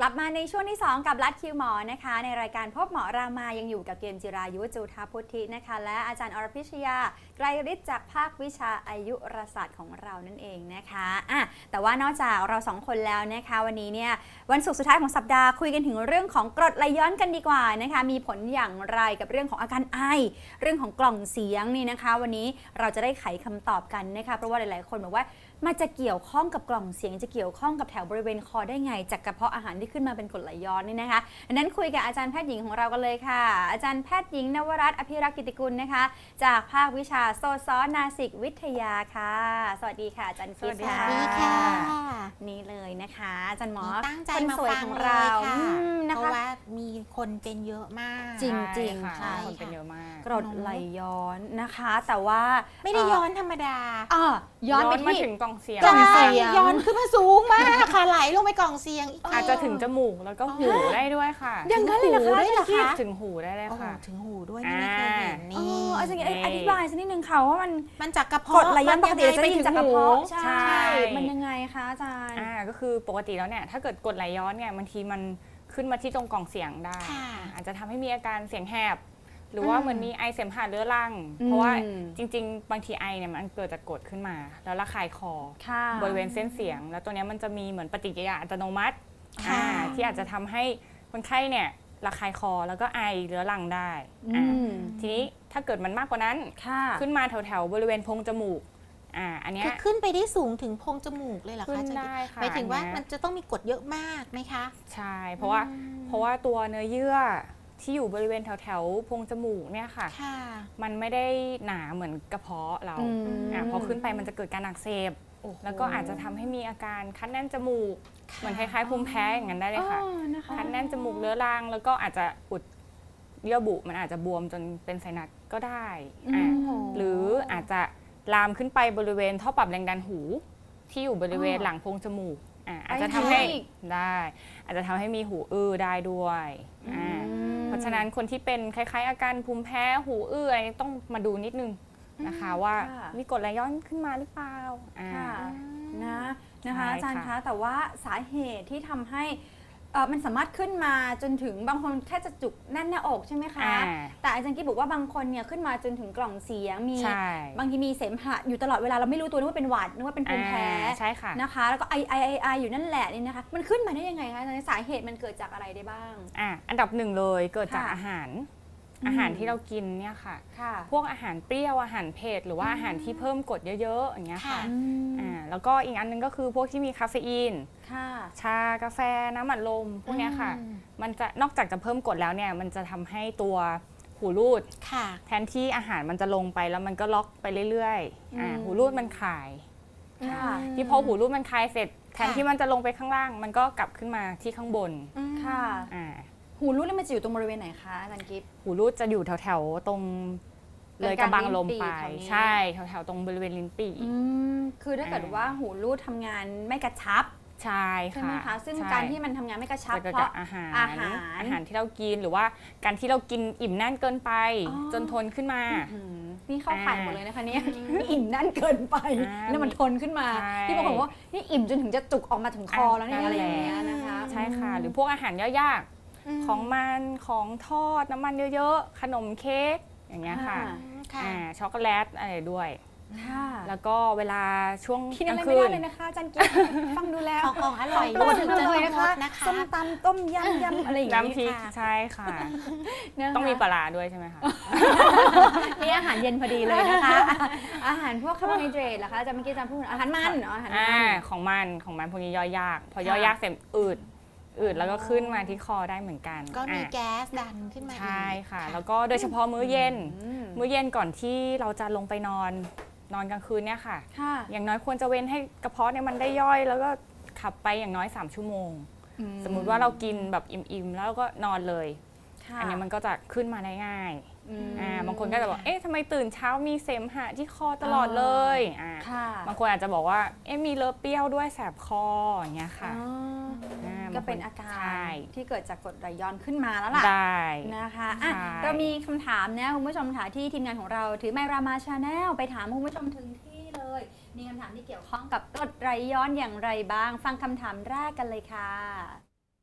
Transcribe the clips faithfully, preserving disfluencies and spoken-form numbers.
ลับมาในช่วงที่สองกับรัฐคิวหมอนะคะในรายการพบหมอรามายังอยู่กับเกมจิรายุจุธาพุทธินะคะและอาจารย์อรพิชยาไกรฤทธิ์จากภาควิชาอายุรศาสตร์ของเรานั่นเองนะคะอ่ะแต่ว่านอกจากเราสองคนแล้วนะคะวันนี้เนี่ยวันศุกร์สุดท้ายของสัปดาห์คุยกันถึงเรื่องของกรดไหลย้อนกันดีกว่านะคะมีผลอย่างไรกับเรื่องของอาการไอเรื่องของกล่องเสียงนี่นะคะวันนี้เราจะได้ไขคำตอบกันนะคะเพราะว่าหลายๆคนบอกว่ามันจะเกี่ยวข้องกับกล่องเสียงจะเกี่ยวข้องกับแถวบริเวณคอได้ไงจากกระเพาะอาหารที่ขึ้นมาเป็นกรดไหลย้อนนี่นะคะดังนั้นคุยกับอาจารย์แพทย์หญิงของเรากันเลยค่ะอาจารย์แพทย์หญิงนวรัตน์อภิรักษ์กิติกุลนะคะจากภาควิชาโซซอนาสิกวิทยาค่ะสวัสดีค่ะอาจารย์กิ๊ฟค่ะสวัสดีค่ะนี่เลยนะคะอาจารย์หมอตั้งใจคนมาสวยฟังของเลเรายค่ะนะเพคะราะว่ามีคนเป็นเยอะมากจริงจริงค่ะใช่คนเป็นเยอะมากกรดไหลย้อนนะคะ แต่ว่าไม่ได้ย้อนธรรมดาอ่าย้อนไปมาที่ถึงกล่องเสียงกล่องเสียงย้อนขึ้นมาสูงมากค่ะไหลลงไปกล่องเสียงอีกอาจจะถึงจมูกแล้วก็หูได้ด้วยค่ะอย่างนั้นเลยเหรอคะได้เหรอคะถึงหูได้เลยโอ้โหค่ะถึงหูด้วยนี่ไม่เคยเห็นอ๋นี่ออาจารย์อธิบายสักนิดนึงค่ะว่ามันมันจากกระกรเพาะดไหลย้อนปกติเราจะได้ยินจากกระเพาะใช่ใช่ใช่มันยังไงคะอาจารย์อ่าก็คือปกติแล้วเนี่ยถ้าเกิดกรดไหลย้อนเนี่ยบางทีมันขึ้นมาที่ตรงกล่องเสียงได้ค่ะอาจจะทำให้มีอาการเสียงแหบหรือว่าอืมเหมือนมีไอเสมหะเรื้อรังอืมเพราะว่าจริง ๆ บางทีไอเนี่ยมันเกิดจากกรดขึ้นมา แล้วระคายคอค่ะบริเวณเส้นเสียง แล้วตัวเนี้ยมันจะมีเหมือนปฏิกิริยาอัตโนมัติค่ะอ่าที่อาจจะทำให้คนไข้เนี่ยระคายคอแล้วก็ไอเรื้อรังได้อือ่าม ทีนี้ถ้าเกิดมันมากกว่านั้นค่ะขึ้นมาแถวๆบริเวณโพรงจมูกอ่าอันเนี้คืยอขึ้นไปได้สูงถึงโพรงจมูกเลยเหรอขึ้คะนอาจารย์ได้ค่ะหมายถึงว่าอันเนี้ยมันจะต้องมีกรดเยอะมากไหมคะใช่ เพราะว่าเพราะว่าตัวเนื้อเยื่อที่อยู่บริเวณแถวๆโพรงจมูกเนี่ยค่ะค่ะมันไม่ได้หนาเหมือนกระเพาะเราอืมอ่าพอขึ้นไปมันจะเกิดการอักเสบโอ้โหแล้วก็อาจจะทำให้มีอาการคัดแน่นจมูก เหมือนคล้ายๆภูมิแพ้อย่างนั้นได้เลยค่ะอ๋อนะคะคัดแน่นจมูกเรื้อรังแล้วก็อาจจะอุดเยื่อบุมันอาจจะบวมจนเป็นไซนัสก็ได้อ่าอืมหรืออาจจะลามขึ้นไปบริเวณท่อปรับแรงดันหู ที่อยู่บริเวณอ๋อหลังโพรงจมูกอ่าอาจไปจะทำให้อีกได้ อาจจะทำให้มีหูอื้อได้ด้วยอ่าเพราะฉะนั้นคนที่เป็นคล้ายๆ อาการภูมิแพ้หูอื้ออะไรนี้ต้องมาดูนิดนึงนะคะว่าค่ะมีกรดไหลย้อนขึ้นมาหรือเปล่าอ่าค่ะ นะนะคะใช่อาจารย์ค่ะคะแต่ว่าสาเหตุที่ทำให้เอ่อมันสามารถขึ้นมาจนถึงบางคนแค่จะจุกแน่นหน้าอกใช่ไหมคะอ่าแต่อาจารย์กิ๊บบอกว่าบางคนเนี่ยขึ้นมาจนถึงกล่องเสียงมีใช่บางทีมีเสมหะอยู่ตลอดเวลาเราไม่รู้ตัวนึกว่าเป็นหวัดนึกว่าเป็นภูมิแพ้อ่าใช่ค่ะนะคะ แล้วก็ไอไอไอไออยู่นั่นแหละนี่นะคะ มันขึ้นมาได้ยังไงคะอาจารย์สาเหตุมันเกิดจากอะไรได้บ้างอ่ะอันดับหนึ่งเลยเกิดจากค่ะอาหารอืมอาหารที่เรากินเนี่ยค่ะค่ะพวกอาหารเปรี้ยวอาหารเผ็ดหรือว่าอาหารที่เพิ่มกรดเยอะๆอย่างเงี้ยค่ะค่ะอ่าแล้วก็อีกอันหนึงก็คือพวกที่มีคาเฟอีนค่ะชากาแฟน้ำอัดลมพวกเนี้ยค่ะอืมมันจะนอกจากจะเพิ่มกรดแล้วเนี่ยมันจะทำให้ตัวหูรูดค่ะแทนที่อาหารมันจะลงไปแล้วมันก็ล็อกไปเรื่อยๆอ่าอืมหูรูดมันคลายค่ะที่พอหูรูดมันคลายเสร็จ แทนค่ะที่มันจะลงไปข้างล่าง มันก็กลับขึ้นมาที่ข้างบนค่ะอ่าหูรูดแล้วมันจะอยู่ตรงบริเวณไหนคะอาจารย์กิ๊บหูรูดจะอยู่แถวๆตรงเลยกระบังลมไปกลางๆลิ้นปี่แถวนี้ใช่แถวๆตรงบริเวณลิ้นปี่อืมคือถ้าเกิดอ่าว่าหูรูดทำงานไม่กระชับใช่ใช่ไหมค่ะคะซึ่งใช่การที่มันทำงานไม่กระชับจะเกิดเพจาราะกอาหารอาหารอาหารที่เรากินหรือว่าการที่เรากินอิ่มแน่นเกินไปอ๋อจนทนขึ้นมาอืมนี่เข้าข่ายอ่าหมดเลยนะคะเนี่ยนี่อิ่มนั่นเกินไปอ่าแล้วมันทนขึ้นมาใช่ที่บางคนบอกว่านี่อิ่มจนถึงจะจุกออกมาถึงคอแล้วเนี่ยอ่าอะไรอย่างเงี้ยนะคะใช่ค่ะ หรือพวกอาหารย่อยยากมของมันของทอดน้ำมันเยอะๆ ขนมเค้กอย่างเงี้ยค่ะค่ะอ่าช็อกโกแลตอะไรด้วยค่ะแล้วก็เวลาช่วงกินกอะลาไรง ไม่คืได้นเลยนะคะอาจารย์กิ๊บฟังดูแล้วของของอร่อยโปรดถึงจัจะงเลยงนะคะดนะคะส้มตำต้มยำยำอะไรอย่างน้ำพเงี้ริยกค่ะใช่ค่ะนะคะต้องมีปลาร้าด้วยใช่ไหมคะนี่อาหารเย็นพอดีเลยนะคะ อาหารพวกคาร์โบไฮเดรตเหรอคะอาจารย์เมื่อกี้อาจารย์พูดอาหารมันเหรออาหารอ่ามันของมันของมันพวกนี้ย่อยยาก พอย่ค่ะอยยากเสร็จอืดอืดแล้วก็ขึ้นมาที่คอได้เหมือนกันก็มีอ่ะแก๊สดันขึ้นมาอีกใช่ค่ะ แล้วก็โดยเฉพาะมื้อเย็นอืมมื้อเย็นก่อนที่เราจะลงไปนอนนอนกลางคืนเนี่ยค่ะค่ะอย่างน้อยควรจะเว้นให้กระเพาะเนี่ยมันได้ย่อย แล้วก็ขับไปอย่างน้อยสามชั่วโมง สมมุติว่าเรากินแบบอิ่มๆแล้วก็นอนเลยค่ะอันเนี้ยมันก็จะขึ้นมาได้ง่ายอืมอ่าบางคนก็จะบอกเอ๊ะทำไมตื่นเช้ามีเสมหะที่คอตลอดเลยอ่าค่ะบางคนอาจจะบอกว่าเอ๊ะมีเลอะเปรี้ยวด้วยแสบคออย่างเงี้ยค่ะอ๋อาก็บงคเป็นอาการใช่ที่เกิดจากกรดไหลย้อนขึ้นมาแล้วล่ะได้นะคะอ่ะใช่เรามีคำถามนะคุณผู้ชมค่ะที่ทีมงานของเราถือไมค์รามาชาแนลไปถามคุณผู้ชมถึงที่เลย มีคำถามที่เกี่ยวข้องกับกรดไหลย้อนอย่างไรบ้าง ฟังคำถามแรกกันเลยค่ะ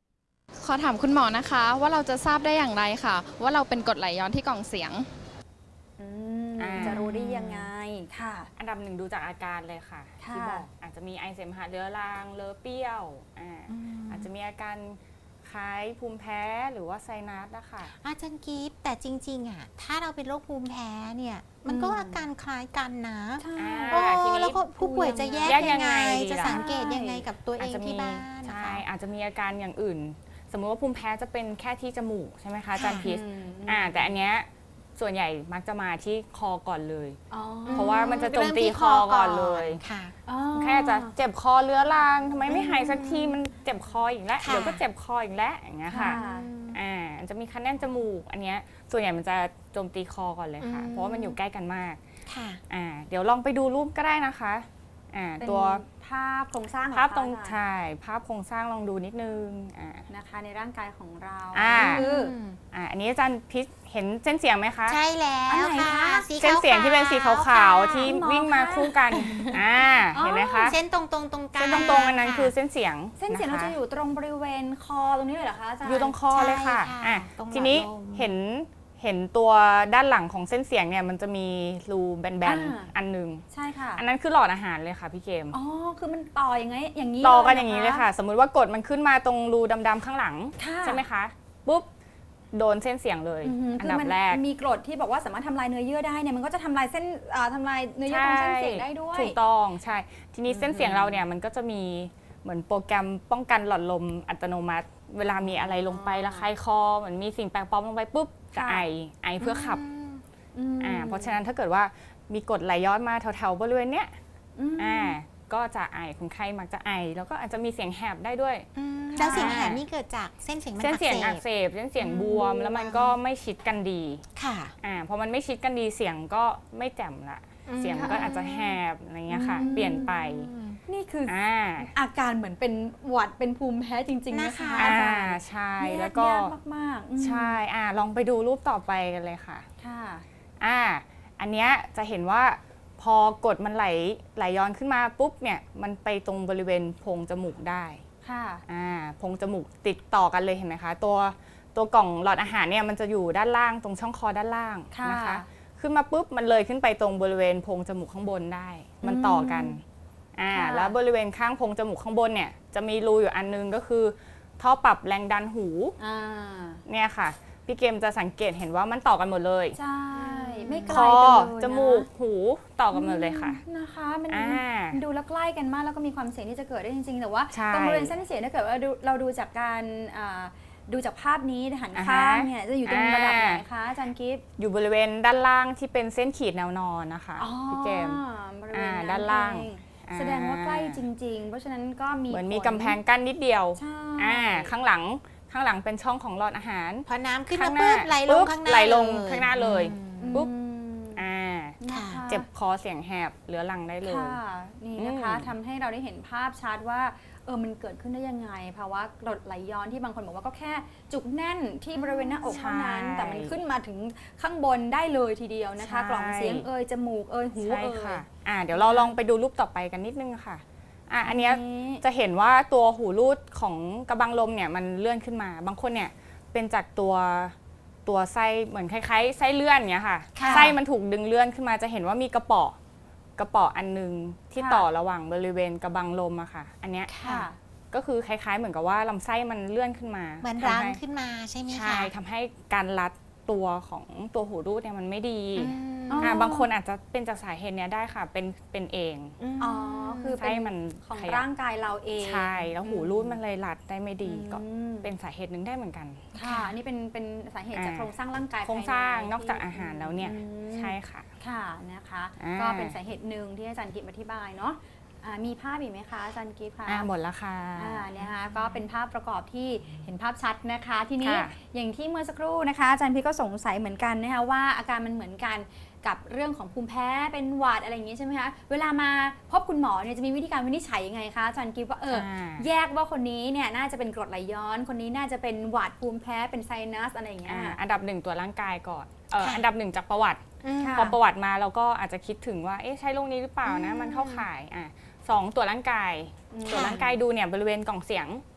ขอถามคุณหมอนะคะว่าเราจะทราบได้อย่างไรค่ะว่าเราเป็นกรดไหลย้อนที่กล่องเสียงอืมอ่าจะรู้ได้ยังไงค่ะอันดับหนึ่งดูจากอาการเลยค่ะค่ะที่บอกอาจจะมีไอเสมหะเรื้อรังเลอะเปรี้ยวอ่าอาจจะมีอาการคล้ายภูมิแพ้หรือว่าไซนัสนะคะอาจารย์กิฟต์แต่จริงๆอ่ะถ้าเราเป็นโรคภูมิแพ้เนี่ยมันก็อืมอาการคล้ายกันนะใช่อ่าโอ้ทีนี้แล้วก็ผู้ป่วยจะแยกแยกยัยังงไงไงจะล่ะสังเกตยังไงกับตัวเออาจงจะมีที่บ้านนะใช่คะอาจจะมีอาการอย่างอื่น สมมุติว่าภูมิแพ้จะเป็นแค่ที่จมูกใช่ไหมคะอาจารย์พิษอืมอ่าแต่อันเนี้ยส่วนใหญ่มักจะมาที่คอก่อนเลยอ๋อเพราะว่ามันจะโจมตีคอก่อนเลยค่ะอ๋อแค่จะเจ็บคอเรื้อรังทำไมไม่หายสักทีมันเจ็บคออีกแล้วค่ะเดี๋ยวก็เจ็บคออีกแล้วอย่างเงี้ยค่ะค่ะอ่าจะมีคันแน่นจมูกอันเนี้ยส่วนใหญ่มันจะโจมตีคอก่อนเลยค่ะอืมเพราะว่ามันอยู่ใกล้กันมากค่ะอ่าเดี๋ยวลองไปดูรูปก็ได้นะคะอ่าเป็นตัวภาพโครงสร้างของภาพตรงเขค่ะใช่ภาพโครงสร้างลองดูนิดนึงอ่านะคะในร่างกายของเราอ่าคืออ่าอันนี้อาจารย์พิษเห็นเส้นเสียงไหมคะใช่แล้อันวไหนค่ะคะสีเส้นเสียงที่เป็นสีขาวๆที่คุณหมอวิ่งมาคะคู่กันอ่าอ๋อเห็นไหมคะเส้นตรงตรงๆตรงกลางเส้นตรงๆอันนั้นคือเส้นเสียงเส้นเสียงะเราคะจะอยู่ตรงบริเวณคอตรงนี้เลยเหรอคะอาจารย์อยู่ตรงคอเลยค่ะใช่ค่ะอ่ะตรงหลอดทีนี้ลมเห็นเห็นตัวด้านหลังของเส้นเสียงเนี่ยมันจะมีรูแบนอ่าๆอันหนึงใช่ค่ะอันนั้นคือหลอดอาหารเลยค่ะพี่เกมอ๋อคือมันต่ออย่างไงอย่างนี้ต่อกันหรอย่างนี้เลยค่ะ สมมุติว่ากดมันขึ้นมาตรงรูดำๆข้างหลังค่ะใช่ไหมคะปุ๊บโดนเส้นเสียงเลยอือหืออัคืนอดับมันแรกมีกรดที่บอกว่าสามารถทำลายเนื้อเยื่อได้เนี่ยมันก็จะทำลายเส้นอ่าทำลายเนื้อเยื่อตรงเส้นเสียงได้ด้วยถูกต้องใช่ ทีนี้อืมเส้นเสียงเราเนี่ยมันก็จะมีเหมือนโปรแกรมป้องกันหลอดลมอัตโนมัติ เวลามีอะไรลงไประคายคอเหมือนมีสิ่งแปลกปลอมลงไปปุ๊บจะค่ะไอไอเพื่อขับอืมอ่าเพราะฉะนั้นถ้าเกิดว่ามีกรดไหลย้อนมาแถวๆบริเวณเนี้ยอืมอ่าก็จะไอคนไข้มักจะไอ แล้วก็อาจจะมีเสียงแหบได้ด้วยอืมแล้วเสียงแหบนี่เกิดจากเส้นเสียงมันเส้นเสียงอัอักกเสเสบบ เส้นเสียงบวมอืมแล้วมันก็ไม่ชิดกันดีค่ะอ่าพอมันไม่ชิดกันดีเสียงก็ไม่แจ่มละอืมเสียงก็อาจจะแหบอะไรเงี้ยค่ะอืมเปลี่ยนไปนี่คือออ่าอาการเหมือนเป็นหวัดเป็นภูมิแพ้จริง ๆ นะคะนะคะอาอ่าจารย์ใช่ยาแล้วก็ยากมากๆอืมใช่อ่าลองไปดูรูปต่อไปกันเลยค่ะค่ะอ่า อันเนี้ยจะเห็นว่าพอกดมันไหลไหลย้อนขึ้นมาปุ๊บเนี่ยมันไปตรงบริเวณโพรงจมูกได้ค่ะอ่าโพรงจมูกติดต่อกันเลยเห็นไหมคะ ตัวตัวกล่องหลอดอาหารเนี่ยมันจะอยู่ด้านล่างตรงช่องคอด้านล่างค่ะนะคะ ขึ้นมาปุ๊บมันเลยขึ้นไปตรงบริเวณโพรงจมูกข้างบนได้ มันต่อกันอ่าค่ะแล้วบริเวณข้างโพรงจมูกข้างบนเนี่ยจะมีรูอยู่อันนึงก็คือท่อปรับแรงดันหูอ่าเนี่ยค่ะพี่เกมจะสังเกตเห็นว่ามันต่อกันหมดเลยใช่ ไม่ไกคลอกันเลยนะจมูกหูต่อกันหมดเลยค่ะนะคะมันอ่ามันดูแล้วใกล้กันมากแล้วก็มีความเสี่ยงที่จะเกิดได้จริงๆ แต่ว่าใช่ตรงบริเวณเส้นเสียงถ้าเกิดว่าดูเราดูจากการอ่าดูจากภาพนี้หันอ่าฮะข้างเนี่ยจะอยู่ตรงระดับไหนอ่าคะอาจารย์กิฟต์อยู่บริเวณด้านล่างที่เป็นเส้นขีดแนวนอนนะคะอ๋อพี่เกมบริเวณอ่านั้นด้านล่างเองอ่าแสดงว่าใกล้จริง ๆ เพราะฉะนั้นก็มีเหมือนมีผลกำแพงกั้นนิดเดียวใช่อ่าข้างหลังข้างหลังเป็นช่องของหลอดอาหารพอน้ำขึ้นข้มางหน้าปุ๊บไหลลงปุ๊บข้างหน้าไหลลงเยข้างหน้าเลยอืมอืมปุ๊บ อ่านะคะเจ็บคอเสียงแหบเรื้อรังได้เลยค่ะนี่นะคะอืมทำให้เราได้เห็นภาพชัดว่าเออมันเกิดขึ้นได้ยังไงภาวะกรดไหลย้อนที่บางคนบอกว่าก็แค่จุกแน่นที่บริเวณหน้าอกเท่านั้นใช่แต่มันขึ้นมาถึงข้างบนได้เลยทีเดียวนะคะใช่กล่องเสียงเอยจมูกเอยหูใช่เอยค่ะอ่าเดี๋ยวเราลองไปดูรูปต่อไปกันนิดนึงค่ะอ่ะอันเนี้ยนี้จะเห็นว่าตัวหูรูดของกระบังลมเนี่ยมันเลื่อนขึ้นมา บางคนเนี่ยเป็นจากตัวตัวไส้เหมือนคล้ายๆไส้เลื่อนเนี้ยค่ะค่ะไส้มันถูกดึงเลื่อนขึ้นมาจะเห็นว่ามีกระเป๋อกระเป๋ออันนึงที่ค่ะต่อระหว่างบริเวณกระบังลมอะค่ะ อันเนี้ยค่ะก็คือคล้ายๆ เหมือนกับว่าลำไส้มันเลื่อนขึ้นมาเหมือนทำรั้งให้ขึ้นมาใช่ไหมคะใช่ทำให้การรัดตัวของตัวหูรูดเนี่ยมันไม่ดีอืมอ๋ออ่าบางคนอาจจะเป็นจากสาเหตุเนี้ยได้ค่ะ เป็นเป็นเองมอ๋อคือเป็ไส้นมันของขยับร่างกายเราเองใช่แล้วหูรูดมันเลยรัดได้ไม่ดีก็อืมเป็นสาเหตุหนึ่งได้เหมือนกันค่ะอันนี่เป็นเป็นสาเหตุจากอ่าโครงสร้างร่างกายโครงสร้างภยในอกจากอาหารแล้วเนี่ยอืมใช่ค่ะค่ะนะคะอ่าก็เป็นสาเหตุหนึ่งที่อาจารย์กิฟต์อธิบายเนาะอ่ามีภาพอีกไหมคะอาจารย์กิฟต์คะอ่าหมดแล้วค่ะอ่าเนี่ยนะคะก็เป็นภาพประกอบที่เห็นภาพชัดนะคะ ทีนี้ค่ะอย่างที่เมื่อสักครู่นะคะอาจารย์พี่ก็สงสัยเหมือนกันนะคะว่าอาการมันเหมือนกันกับเรื่องของภูมิแพ้เป็นหวัดอะไรอย่างนี้ใช่ไหมคะเวลามาพบคุณหมอเนี่ยจะมีวิธีการวินิจฉัยยังไงคะอาจารย์กิฟต์ว่าเอออ่าแยกว่าคนนี้เนี่ยน่าจะเป็นกรดไหลย้อน คนนี้น่าจะเป็นหวัดภูมิแพ้เป็นไซนัสอะไรอย่างเงี้ยอ่าค่ะอันดับหนึ่งตัวร่างกายก่อนเออค่ะอันดับหนึ่งจากประวัติอืมค่ะพอประวัติมาเราก็อาจจะคิดถึงว่าเอ๊ะใช่โรคนี้หรือเปล่านะอืมมันเข้าข่ายอ่ะสองตัวร่างกายอืมตัวร่างกายดูเนี่ยบริเวณกล่องเสียง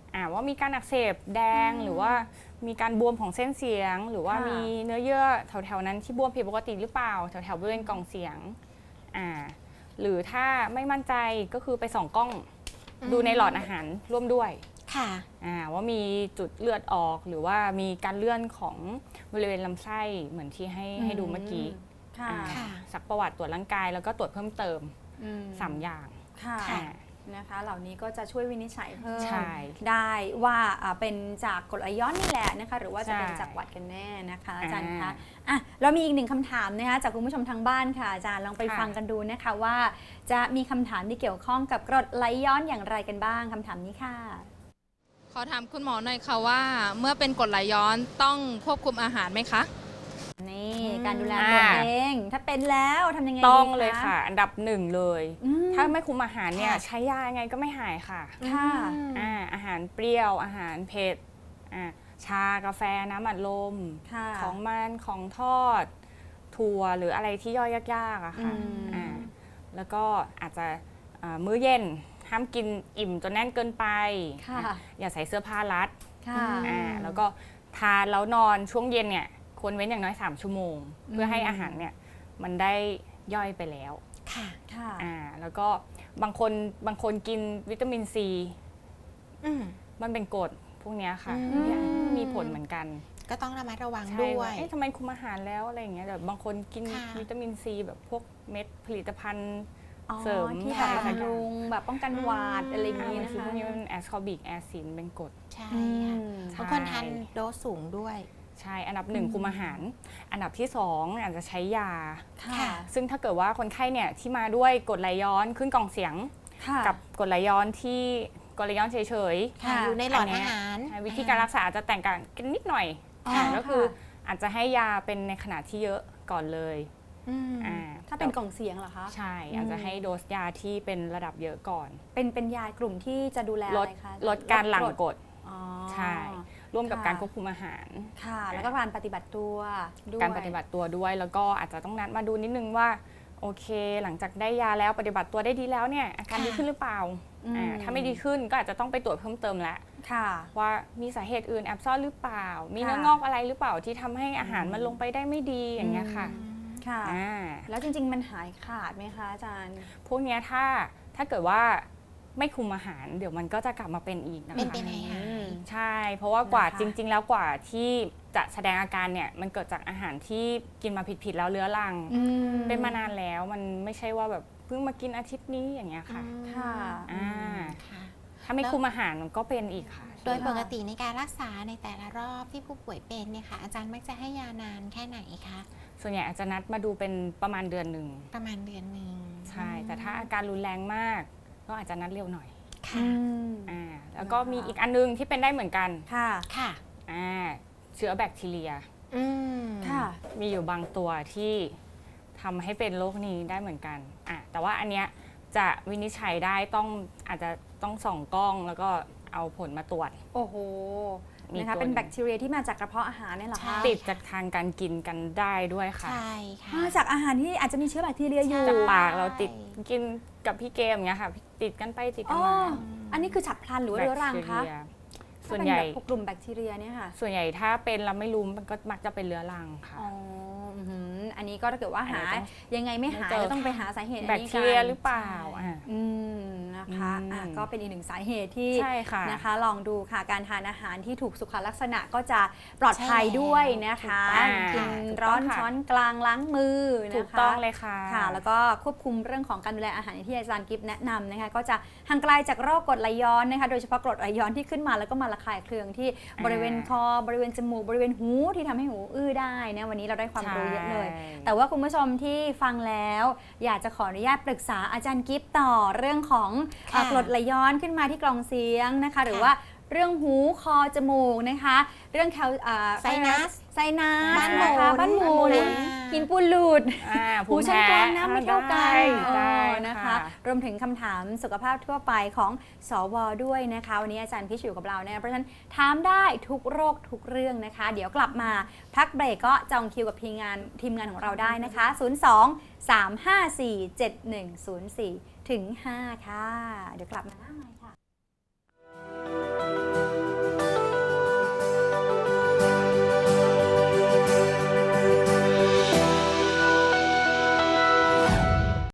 อ่าว่ามีการอักเสบแดงหรือว่ามีการบวมของเส้นเสียง หรือว่าค่ะมีเนื้อเยื่อแถวๆนั้นที่บวมผิดปกติหรือเปล่าแถวๆบริเวณกล่องเสียงอ่าหรือถ้าไม่มั่นใจก็คือไปส่องกล้องดูในหลอดอาหารร่วมด้วยค่ะอ่าว่ามีจุดเลือดออกหรือว่ามีการเลื่อนของบริเวณลำไส้เหมือนที่ให้ให้ดูเมื่อกี้ค่ะอ่าค่ะสักประวัติตรวจร่างกายแล้วก็ตรวจเพิ่มเติมอืมสามอย่างค่ะอ่านะคะ เหล่านี้ก็จะช่วยวินิจฉัยเพิ่มใช่ได้ว่าอ่าเป็นจากกรดไหลย้อนนี่แหละนะคะ หรือว่าจะเป็นใช่จากหวัดกันแน่นะคะอาจารย์อ่าคะอ่ะเรามีอีกหนึ่งคำถามนะคะจากคุณผู้ชมทางบ้านค่ะอาจารย์ลองไปค่ะฟังกันดูนะคะว่า จะมีคำถามที่เกี่ยวข้องกับกรดไหลย้อนอย่างไรกันบ้างคำถามนี้ค่ะขอถามคุณหมอหน่อยค่ะว่า เมื่อเป็นกรดไหลย้อนต้องควบคุมอาหารไหมคะนี่การดูแลตัวเอง ถ้าเป็นแล้วทำยังไงต้องดีเลยค่ะ อันดับหนึ่งเลยอืมถ้าไม่คุมอาหารเนี่ยค่ะใช้ยายังไงก็ไม่หายค่ะค่ะอ่าอาหารเปรี้ยวอาหารเผ็ดอ่าชากาแฟน้ำอัดลมค่ะของมันของทอด ถั่วหรืออะไรที่ย่อยยากๆอะค่ะอืมอ่าแล้วก็อาจจะอ่ามื้อเย็นห้ามกินอิ่มจนแน่นเกินไปค่ะอ่ะอย่าใส่เสื้อผ้ารัดค่ะอ่าแล้วก็ทานแล้วนอนช่วงเย็นเนี่ยควรเว้นอย่างน้อยสามชั่วโมง เพื่อให้อาหารเนี่ยมันได้ย่อยไปแล้วค่ะค่ะอ่าแล้วก็บางคนบางคนกินวิตามินซีอืมมันเป็นกรดพวกเนี้ยค่ะอืมเนี่ยมีผลเหมือนกันก็ต้องระมัดระวังใช่ด้วว่าย เอ๊ะทำไมคุมอาหารแล้วอะไรอย่างเงี้ยแบบบางคนกินค่ะวิตามินซีแบบพวกเม็ดผลิตภัณฑ์อ๋อเสริมที่แบบอะไรสักอย่างบำรุงแบบป้องกันหวัดอะไรอย่างอ่านี้บางนะทีคะพวกนี้มันแอสคอบิกแอซิดเป็นกรดใช่อืค่ะมใช่บางคนทานโดสสูงด้วยใช่อันดับหนึ่งคุมอาหาร อันดับที่สองอาจจะใช้ยาค่ะค่ะซึ่งถ้าเกิดว่าคนไข้เนี่ยที่มาด้วยกรดไหลย้อนขึ้นกล่องเสียงค่ะกับกรดไหลย้อนที่กรดไหลย้อนเฉยค่ะค่ะอยู่ในหลอดอันเนี้อาย หารๆวิธีการรักษาอาจจะแตกต่างกันนิดหน่อยอ๋ออ่าก็คือค่ะอาจจะให้ยาเป็นในขนาดที่เยอะก่อนเลยอืมอ่าถ้าเป็นกล่องเสียงเหรอคะใช่อาจจะให้โดสยาที่เป็นระดับเยอะก่อนเป็นเป็นยากลุ่มที่จะดูแลลอะดไรคะลดการหลั่งกรดอ๋อใช่ ร่วมกับค่ะการควบคุมอาหารค่ะ แล้วก็การปฏิบัติตัวด้วยการปฏิบัติตัวด้วยแล้วก็อาจจะต้องนัดมาดูนิดนึงว่าโอเค หลังจากได้ยาแล้วปฏิบัติตัวได้ดีแล้วเนี่ยอาการค่ะดีขึ้นหรือเปล่าอืมอ่าถ้าไม่ดีขึ้นก็อาจจะต้องไปตรวจเพิ่มเติมแล้วค่ะว่ามีสาเหตุอื่นแอบซ่อนหรือเปล่า มีค่ะเนื้องอกอะไรหรือเปล่าที่ทำให้อาหารมันลงไปได้ไม่ดีอย่างเงี้ยค่ะค่ะอ่าแล้วจริง ๆ มันหายขาดไหมคะอาจารย์พวกเนี้ยถ้าถ้าเกิดว่าไม่คุมอาหาร เดี๋ยวมันก็จะกลับมาเป็นอีกนะเป็นคะเป็นไงหายใช่ เพราะว่ากว่านะคะจริง ๆ แล้วกว่าที่จะแสดงอาการเนี่ยมันเกิดจากอาหารที่กินมาผิดๆแล้วเรื้อรังอืมเป็นมานานแล้วมันไม่ใช่ว่าแบบเพิ่งมากินอาทิตย์นี้อย่างเงี้ยค่ะค่ะอ่าค่ะถ้าไม่คุมอาหารมันก็เป็นอีกค่ะโดยปกติในการรักษาในแต่ละรอบที่ผู้ป่วยเป็นเนี่ยค่ะ อาจารย์มักจะให้ยานานแค่ไหนคะส่วนใหญ่อาจจะนัดมาดูเป็นประมาณเดือนหนึ่งประมาณเดือนหนึ่งใช่ แต่ถ้าอาการรุนแรงมากก็อาจจะนัดเร็วหน่อยค่ะอ่าแล้วก็นะคะมีอีกอันนึงที่เป็นได้เหมือนกันค่ะค่ะอ่าเชื้อแบคทีเรียอืมค่ะมีอยู่บางตัวที่ทำให้เป็นโรคนี้ได้เหมือนกันอ่ะแต่ว่าอันเนี้ยจะวินิจฉัยได้ต้องอาจจะต้องส่องกล้องแล้วก็เอาผลมาตรวจโอ้โหมีนะคะตัวเป็นหนึ่งแบคทีเรียที่มาจากกระเพาะอาหารเนี่ยเหรอใช่คะติดจากทางการกินกันได้ด้วยค่ะใช่ค่ะมาจากอาหารที่อาจจะมีเชื้อแบคทีเรียอยู่ใช่จากปากเราติดกินกับพี่เกมอย่างเงี้ยค่ะ ติดกันไปติดกัอ๋นอมาอันนี้คือฉับพลันหรือว่าเรื้อรังคะแบคทีเรียถ้าส่วนเป็นใหญ่แบบพวกกลุ่มแบคทีเรียเนี่ยค่ะส่วนใหญ่ถ้าเป็นเราไม่รู้มันก็มักจะเป็นเรื้อรังค่ะอ๋ออื้อหืออันนี้ก็ถ้าเกิดว่าหาอันนี้ต้องยังไงไม่หายต้องเจอก็ต้องไปหาสาเหตุอันแบคนี้ทีเรียกันหรือเปล่าอ่ะอืมนะคะอืมอ่ะก็เป็นอีกหนึ่งสาเหตุที่ใช่ค่ะนะคะลองดูค่ะการทานอาหารที่ถูกสุขลักษณะก็จะปลอดภัยด้วยนะคะอ่ากินถูกร้ต้ออน งค่ะช้อนกลางล้างมือนะคะถูกต้องเลยค่ะค่ะ แล้วก็ควบคุมเรื่องของการดูแลอาหารอย่างที่อาจารย์กิฟต์แนะนำนะคะก็จะห่างไกลจากโรคกรดไหลย้อนนะคะโดยเฉพาะกรดไหลย้อนที่ขึ้นมาแล้วก็มาระคายเคืองที่บริเวณคอบริเวณจมูกบริเวณหูที่ทำให้หูอื้อได้นะวันนี้เราได้ความรู้เยอะเลยใช่แต่ว่าคุณผู้ชมที่ฟังแล้ว อยากจะขออนุญาตปรึกษาอาจารย์กิฟต์ต่อเรื่องของค่ะเอ่อกรดไหลย้อนขึ้นมาที่กล่องเสียงนะคะ หรือค่ะว่าเรื่องหูคอจมูกนะคะ เรื่องแคลอ่าไซนัสไซนัสบ้านหมุนนะคะบ้านหมุนอ่าหินปูนหลุดอ่าหูภูมิชั้นแพ้กลางน้ำไม่เท่ากันได้เอได้อนะคะค่ะรวมถึงคำถามสุขภาพทั่วไปของสวด้วยนะคะวันนี้อาจารย์พิชอยู่กับเราเนี่ยเพราะฉะนั้นถามได้ทุกโรคทุกเรื่องนะคะ เดี๋ยวกลับมาพักเบรกก็จองคิวกับทีมงานทีมงานของเราได้นะคะ ศูนย์ สอง สาม ห้า สี่ เจ็ด หนึ่ง ศูนย์ สี่ ถึง ห้า ค่ะ เดี๋ยวกลับมา